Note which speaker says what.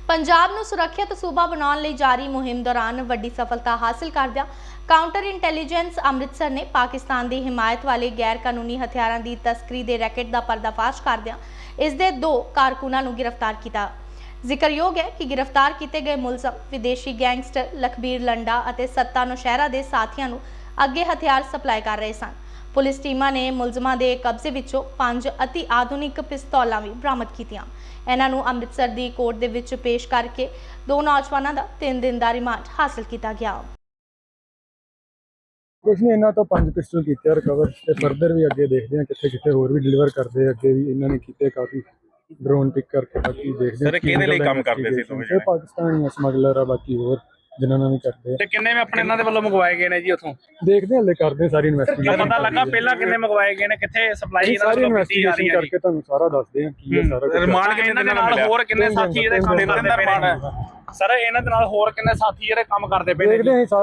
Speaker 1: ਪੰਜਾਬ ਨੂੰ ਸੁਰੱਖਿਅਤ ਸੂਬਾ ਬਣਾਉਣ ਲਈ ਜਾਰੀ ਮੁਹਿੰਮ ਦੌਰਾਨ ਵੱਡੀ ਸਫਲਤਾ ਹਾਸਲ ਕਰਦਿਆਂ ਕਾਊਂਟਰ ਇੰਟੈਲੀਜੈਂਸ ਅੰਮ੍ਰਿਤਸਰ ਨੇ ਪਾਕਿਸਤਾਨ ਦੀ ਹਿਮਾਇਤ ਵਾਲੇ ਗੈਰ ਕਾਨੂੰਨੀ ਹਥਿਆਰਾਂ ਦੀ ਤਸਕਰੀ ਦੇ ਰੈਕੇਟ ਦਾ ਪਰਦਾਫਾਸ਼ ਕਰਦਿਆਂ ਇਸ ਦੇ 2 ਕਾਰਕੁਨਾਂ ਨੂੰ ਗ੍ਰਿਫਤਾਰ ਕੀਤਾ। ਜ਼ਿਕਰਯੋਗ ਹੈ ਕਿ ਗ੍ਰਿਫਤਾਰ ਕੀਤੇ ਗਏ ਮੁਲਜ਼ਮ ਵਿਦੇਸ਼ੀ ਗੈਂਗਸਟਰ ਲਖਬੀਰ ਲੰਡਾ ਅਤੇ ਸੱਤਾ ਨੌਸ਼ਹਿਰਾ ਦੇ ਸਾਥੀਆਂ ਨੂੰ ਅੱਗੇ ਹਥਿਆਰ ਸਪਲਾਈ ਕਰ ਰਹੇ ਸਨ। ਪੁਲਿਸ ਟੀਮਾਂ ਨੇ ਮੁਲਜ਼ਮਾਂ ਦੇ ਕਬਜ਼ੇ ਵਿੱਚੋਂ 5 ਅਤੀ ਆਧੁਨਿਕ ਪਿਸਤੌਲਾਂ ਵੀ ਬਰਾਮਦ ਕੀਤੀਆਂ। ਇਹਨਾਂ ਨੂੰ ਅੰਮ੍ਰਿਤਸਰ ਦੀ ਕੋਰਟ ਦੇ ਵਿੱਚ ਪੇਸ਼ ਕਰਕੇ 2 ਨੌਜਵਾਨਾਂ ਦਾ 3 ਦਿਨ ਦਾ ਰਿਮਾਂਡ ਹਾਸਲ ਕੀਤਾ ਗਿਆ।
Speaker 2: ਕੁਛ ਨਹੀਂ, ਇਹਨਾਂ ਤੋਂ 5 ਪਿਸਟਲ ਕੀਤੇ ਰਿਕਵਰ ਤੇ ਫਰਦਰ ਵੀ ਅੱਗੇ ਦੇਖਦੇ ਹਾਂ ਕਿੱਥੇ ਹੋਰ ਵੀ ਡਿਲੀਵਰ ਕਰਦੇ। ਅੱਗੇ ਵੀ ਇਹਨਾਂ ਨੇ ਕੀਤੇ ਕਾਫੀ ਡਰੋਨ ਪਿਕ ਕਰਕੇ, ਬਾਕੀ ਦੇਖਦੇ ਹਾਂ।
Speaker 3: ਸਰ ਕਿਹਦੇ ਲਈ ਕੰਮ ਕਰਦੇ ਸੀ ਦੋਵੇਂ ਜਣੇ?
Speaker 2: ਪਾਕਿਸਤਾਨੀ ਸਮਗਲਰ ਆ, ਬਾਕੀ ਹੋਰ ਜਿਨ੍ਹਾਂ ਨਾਲ ਵੀ ਕਰਦੇ
Speaker 3: ਤੇ ਕਿੰਨੇ ਮੈਂ ਆਪਣੇ ਇਹਨਾਂ ਦੇ ਵੱਲੋਂ ਮੰਗਵਾਏ ਗਏ ਨੇ ਜੀ ਉੱਥੋਂ?
Speaker 2: ਦੇਖਦੇ ਹਾਂ, ਹਲੇ ਕਰਦੇ ਸਾਰੀ ਇਨਵੈਸਟੀਗੇਸ਼ਨ।
Speaker 3: ਪਤਾ ਲੱਗਾ ਪਹਿਲਾਂ ਕਿੰਨੇ ਮੰਗਵਾਏ ਗਏ ਨੇ, ਕਿੱਥੇ ਸਪਲਾਈ ਇਹਨਾਂ
Speaker 2: ਸਾਰੀ
Speaker 3: ਵੱਲੋਂ ਕੀਤੀ ਜਾ ਰਹੀ
Speaker 2: ਇਨਵੈਸਟੀਗੇਸ਼ਨ
Speaker 3: ਹੈ
Speaker 2: ਕਰਕੇ ਤੁਹਾਨੂੰ ਸਾਰਾ ਦੱਸਦੇ ਹਾਂ ਕੀ ਹੈ ਸਾਰਾ ਕੁਝ।
Speaker 3: ਰਿਮਾਂਡ ਕਿੰਨੇ ਦੇ ਨਾਲ ਹੋਰ ਕਿੰਨੇ ਸਾਥੀ ਇਹਦੇ ਕੰਮ ਕਰਦੇ ਪਏ ਨੇ? ਸਰ ਇਹਨਾਂ ਦੇ ਨਾਲ ਹੋਰ ਕਿੰਨੇ ਸਾਥੀ ਇਹਦੇ ਕੰਮ ਕਰਦੇ ਪਏ ਨੇ?
Speaker 2: ਦੇਖਦੇ ਹਾਂ।